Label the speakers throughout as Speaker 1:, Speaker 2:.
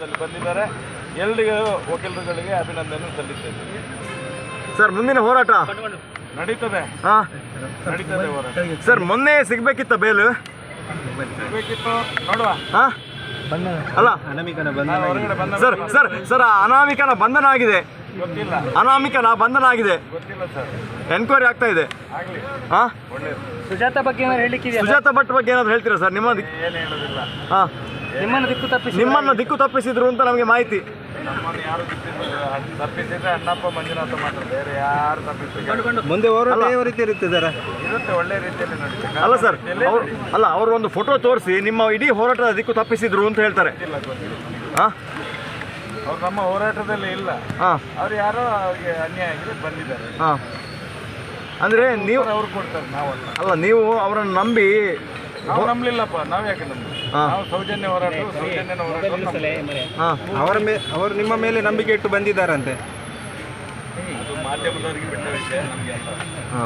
Speaker 1: ಬಂದಿದ್ದಾರೆ. ಎಲ್ಲರಿಗೂ ವಕೀಲರುಗಳಿಗೆ ಅಭಿನಂದನೆ ಸಲ್ಲಿಸ್ತೇವೆ.
Speaker 2: ಸರ್, ಮುಂದಿನ ಹೋರಾಟ
Speaker 1: ನಡೀತದೆ. ನಡೀತದೆ ಹೋರಾಟ.
Speaker 2: ಸರ್, ಮೊನ್ನೆ ಸಿಗ್ಬೇಕಿತ್ತ ಬೇಲು?
Speaker 1: ಸಿಗಬೇಕಿತ್ತು, ನೋಡುವ.
Speaker 2: ಅಲ್ಲ
Speaker 1: ಹೊರಗಡೆ ಬಂದ
Speaker 2: ಸರ್ ಸರ್ ಸರ್ ಅನಾಮಿಕನ ಬಂಧನ ಆಗಿದೆ.
Speaker 1: ಗೊತ್ತಿಲ್ಲ,
Speaker 2: ಅನಾಮಿಕನ ಬಂಧನ ಆಗಿದೆ.
Speaker 1: ಗೊತ್ತಿಲ್ಲ ಸರ್.
Speaker 2: ಎನ್ಕ್ವೈರಿ ಆಗ್ತಾ ಇದೆ.
Speaker 1: ಆಗ್ಲಿ,
Speaker 2: ಹಾ,
Speaker 1: ಒಳ್ಳೇದು.
Speaker 3: ಸುಜಾತ ಬಗ್ಗೆ ಏನಾದ್ರು ಹೇಳಲಿಕ್ಕಿದೆಯಾ?
Speaker 2: ಸುಜಾತ ಭಟ್ ಬಗ್ಗೆ ಏನಾದ್ರು ಹೇಳ್ತೀರಾ ಸರ್?
Speaker 1: ಏನು ಹೇಳೋದಿಲ್ಲ.
Speaker 2: ಹಾ,
Speaker 3: ನಿಮ್ಮನ್ನು
Speaker 2: ದಿಕ್ಕು ತಪ್ಪಿಸಿದ್ರು ಅಂತ ನಮಗೆ ಮಾಹಿತಿ.
Speaker 1: ನಮ್ಮನ್ನು ಯಾರು ತಪ್ಪಿಸಿದ್ರೆ ಅಣ್ಣಪ್ಪ ಮಂಜುನಾಥ ಮಾತ್ರ, ಬೇರೆ ಯಾರು ತಪ್ಪಿಸಿದ್ರೆ
Speaker 4: ಮುಂದೆ ಹೋರಾಟ ಯಾವ ರೀತಿ ಇರುತ್ತೆ ಸರ್?
Speaker 1: ಇರುತ್ತೆ, ಒಳ್ಳೆ ರೀತಿಯಲ್ಲಿ ನಡೀತದೆ.
Speaker 2: ಅಲ್ಲ ಸರ್, ಅವರು ಒಂದು ಫೋಟೋ ತೋರಿಸಿ ನಿಮ್ಮ ಇಡೀ ಹೋರಾಟದ ದಿಕ್ಕು ತಪ್ಪಿಸಿದ್ರು ಅಂತ ಹೇಳ್ತಾರೆ.
Speaker 1: ಗೊತ್ತಿಲ್ಲ.
Speaker 2: ಹಾ,
Speaker 1: ಅವ್ರು ನಮ್ಮ ಹೋರಾಟದಲ್ಲಿ ಇಲ್ಲ.
Speaker 2: ಹಾ,
Speaker 1: ಅವ್ರು ಯಾರೋ ಅವ್ರಿಗೆ ಅನ್ಯಾಯ ಆಗಿದೆ ಬಂದಿದ್ದಾರೆ.
Speaker 2: ಹಾ. ಅಂದ್ರೆ ನೀವು
Speaker 1: ಅವ್ರು ಕೊಡ್ತಾರೆ, ನಾವಲ್ಲ.
Speaker 2: ಅಲ್ಲ, ನೀವು ಅವರನ್ನು ನಂಬಿ
Speaker 1: ನಾವು ನಂಬಲಿಲ್ಲಪ್ಪ. ನಾವು ಯಾಕೆ ನಂಬಿ?
Speaker 2: ಹಾ.
Speaker 1: ನಾವು ಸೌಜನ್ಯ ಹೋರಾಟ
Speaker 2: ಹಾ,
Speaker 4: ಅವರು ನಿಮ್ಮ ಮೇಲೆ ನಂಬಿಕೆ ಇಟ್ಟು ಬಂದಿದ್ದಾರಂತೆ.
Speaker 1: ಅದು ಮಾಧ್ಯಮದವರಿಗೆ ಬಿಟ್ಟ ವಿಷಯ, ನಮಗೆ ಅಲ್ಲ.
Speaker 2: ಹಾ.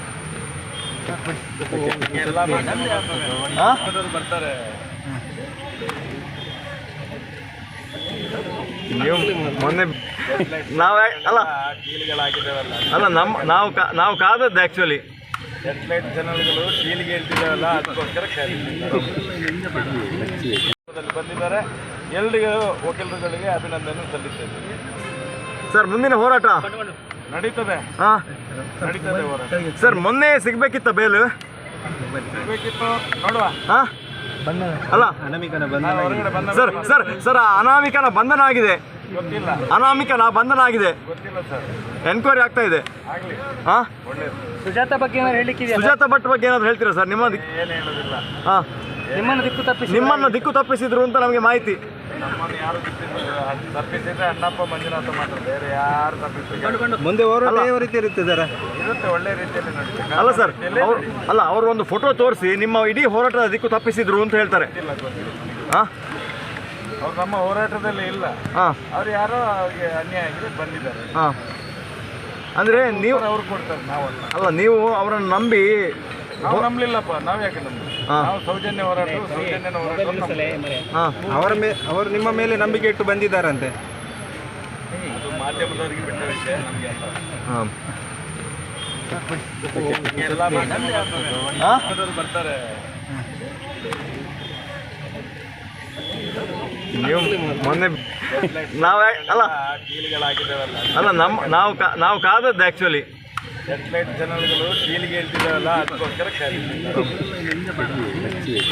Speaker 1: ಎಲ್ಲ ಮಾಧ್ಯಮದವರು ಬರ್ತಾರೆ.
Speaker 2: ನೀವು ಮೊನ್ನೆ ನಾವು ಅಲ್ಲ
Speaker 1: ಡೀಲ್ಗಳಾಗಿದ್ದಾವಲ್ಲ,
Speaker 2: ಅಲ್ಲ ನಾವು ಕಾದದ್ದು ಆ್ಯಕ್ಚುಲಿ.
Speaker 1: ಸೆಟಲೈಟ್ ಚಾನಲ್ಗಳು ಡೀಲ್ಗೆ ಹೇಳ್ತಿದ್ದಾವಲ್ಲ, ಅದಕ್ಕೋಸ್ಕರ ಬಂದಿದ್ದಾರೆ. ಎಲ್ಲರಿಗೂ ವಕೀಲರುಗಳಿಗೆ ಅಭಿನಂದನೆ ಸಲ್ಲಿಸ್ತೇವೆ.
Speaker 2: ಸರ್, ಮುಂದಿನ ಹೋರಾಟ
Speaker 1: ನಡೀತದೆ.
Speaker 2: ಹಾ,
Speaker 1: ನಡೀತದೆ ಹೋರಾಟ.
Speaker 2: ಸರ್, ಮೊನ್ನೆ ಸಿಗ್ಬೇಕಿತ್ತ ಬೇಲು?
Speaker 1: ಸಿಗಬೇಕಿತ್ತು, ನೋಡುವ.
Speaker 2: ಹಾ, ಅಲ್ಲ
Speaker 1: ಹೊರಗಡೆ ಬಂದ
Speaker 2: ಸರ್ ಸರ್ ಸರ್ ಅನಾಮಿಕನ ಬಂಧನ ಆಗಿದೆ.
Speaker 1: ಗೊತ್ತಿಲ್ಲ,
Speaker 2: ಅನಾಮಿಕನ ಬಂಧನ ಆಗಿದೆ.
Speaker 1: ಗೊತ್ತಿಲ್ಲ ಸರ್.
Speaker 2: ಎನ್ಕ್ವೈರಿ ಆಗ್ತಾ ಇದೆ.
Speaker 1: ಆಗ್ಲಿ,
Speaker 2: ಹಾ,
Speaker 1: ಒಳ್ಳೇದು.
Speaker 3: ಸುಜಾತ ಬಗ್ಗೆ ಏನಾದ್ರು ಹೇಳಲಿಕ್ಕಿದೆಯಾ?
Speaker 2: ಸುಜಾತ ಭಟ್ ಬಗ್ಗೆ ಏನಾದ್ರು ಹೇಳ್ತೀರಾ ಸರ್?
Speaker 1: ಏನು ಹೇಳೋದಿಲ್ಲ.
Speaker 2: ಹಾ,
Speaker 3: ನಿಮ್ಮನ್ನು
Speaker 2: ದಿಕ್ಕು ತಪ್ಪಿಸಿದ್ರು ಅಂತ ನಮಗೆ ಮಾಹಿತಿ.
Speaker 1: ನಮ್ಮನ್ನು ಯಾರು ತಪ್ಪಿಸಿದ್ರೆ ಅಣ್ಣಪ್ಪ ಮಂಜುನಾಥ ಮಾತ್ರ, ಬೇರೆ ಯಾರು ತಪ್ಪಿಸಿದ್ರೆ
Speaker 4: ಮುಂದೆ ಹೋರಾಟ ಯಾವ ರೀತಿ ಇರುತ್ತೆ ಸರ್?
Speaker 1: ಇರುತ್ತೆ, ಒಳ್ಳೆ ರೀತಿಯಲ್ಲಿ ನಡೀತದೆ.
Speaker 2: ಅಲ್ಲ ಸರ್, ಅವರು ಒಂದು ಫೋಟೋ ತೋರಿಸಿ ನಿಮ್ಮ ಇಡೀ ಹೋರಾಟದ ದಿಕ್ಕು ತಪ್ಪಿಸಿದ್ರು ಅಂತ ಹೇಳ್ತಾರೆ.
Speaker 1: ಗೊತ್ತಿಲ್ಲ.
Speaker 2: ಹಾ,
Speaker 1: ಅವ್ರು ನಮ್ಮ ಹೋರಾಟದಲ್ಲಿ ಇಲ್ಲ.
Speaker 2: ಹಾ,
Speaker 1: ಅವ್ರು ಯಾರೋ ಅವ್ರಿಗೆ ಅನ್ಯಾಯ ಆಗಿದೆ ಬಂದಿದ್ದಾರೆ.
Speaker 2: ಹಾ. ಅಂದ್ರೆ ನೀವು
Speaker 1: ಅವ್ರು ಕೊಡ್ತಾರೆ, ನಾವಲ್ಲ.
Speaker 2: ಅಲ್ಲ, ನೀವು ಅವರನ್ನು ನಂಬಿ
Speaker 1: ನಾವು ನಂಬಲಿಲ್ಲಪ್ಪ. ನಾವು ಯಾಕೆ ನಂಬಿ?
Speaker 2: ಹಾ.
Speaker 1: ನಾವು ಸೌಜನ್ಯ ಹೋರಾಟ
Speaker 2: ಹಾ,
Speaker 4: ಅವರು ನಿಮ್ಮ ಮೇಲೆ ನಂಬಿಕೆ ಇಟ್ಟು ಬಂದಿದ್ದಾರಂತೆ.
Speaker 1: ಅದು ಮಾಧ್ಯಮದವರಿಗೆ ಬಿಟ್ಟ ವಿಷಯ, ನಮಗೆ ಅಲ್ಲ.
Speaker 2: ಹಾ.
Speaker 1: ಎಲ್ಲ ಮಾಧ್ಯಮದವರು ಬರ್ತಾರೆ.
Speaker 2: ನೀವು ಮೊನ್ನೆ ಅಲ್ಲ
Speaker 1: ಡೀಲ್ಗಳಾಗಿದ್ದಾವಲ್ಲ,
Speaker 2: ಅಲ್ಲ ನಾವು ಕಾದದ್ದು ಆ್ಯಕ್ಚುಲಿ.
Speaker 1: ಸೆಟಲೈಟ್ ಚಾನಲ್ಗಳು ಡೀಲ್ಗೆ ಹೇಳ್ತಿದ್ದಾವಲ್ಲ, ಅದಕ್ಕೋಸ್ಕರ